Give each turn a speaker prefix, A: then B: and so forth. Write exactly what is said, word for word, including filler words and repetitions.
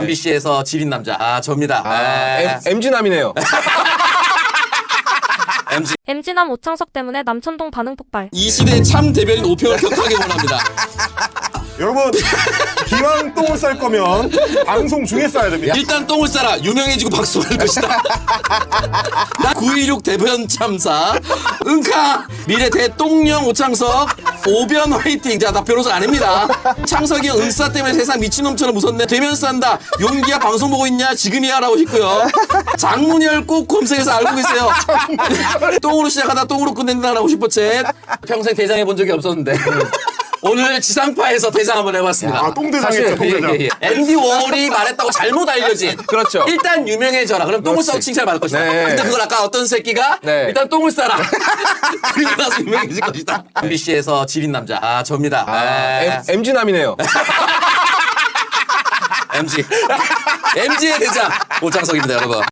A: 엠비씨에서 지린 남자. 아, 접니다.
B: 아, 엠지남이네요.
A: 엠지.
C: 엠지남 오창석 때문에 남천동 반응 폭발.
A: 이 시대의 참 대변인 오평을 격하게 원합니다.
D: 여러분, 기왕 똥을 쌀 거면 방송 중에 싸야 됩니다.
A: 일단 똥을 싸라. 유명해지고 박수할 것이다. 구이육 대변 참사. 응카. 미래 대통령 오창석. 오변 화이팅. 자, 나 변호사 아닙니다. 창석이 형 응싸 때문에 세상 미친놈처럼 무섭네. 대면 싼다. 용기야 방송 보고 있냐? 지금이야 라고 싶고요. 장문열 꼭 검색해서 알고 계세요. 똥으로 시작하다 똥으로 끝낸다라고 싶어챗. 평생 대장해 본 적이 없었는데. 오늘 지상파에서 대장 한번 해봤습니다.
D: 아, 똥대장했죠, 똥대장.
A: 예, 예, 예. 앤디 워홀이 말했다고 잘못 알려진.
B: 그렇죠.
A: 일단 유명해져라. 그럼 똥을 싸고 칭찬을 받을 것이다.
B: 네.
A: 근데 그걸 아까 어떤 새끼가
B: 네.
A: 일단 똥을 싸라. 그리고 나서 유명해질 것이다. 엠비씨에서 지린 남자. 아, 접니다.
B: 아, 엠지남이네요.
A: 엠지. 엠지의 대장 오창석입니다, 여러분.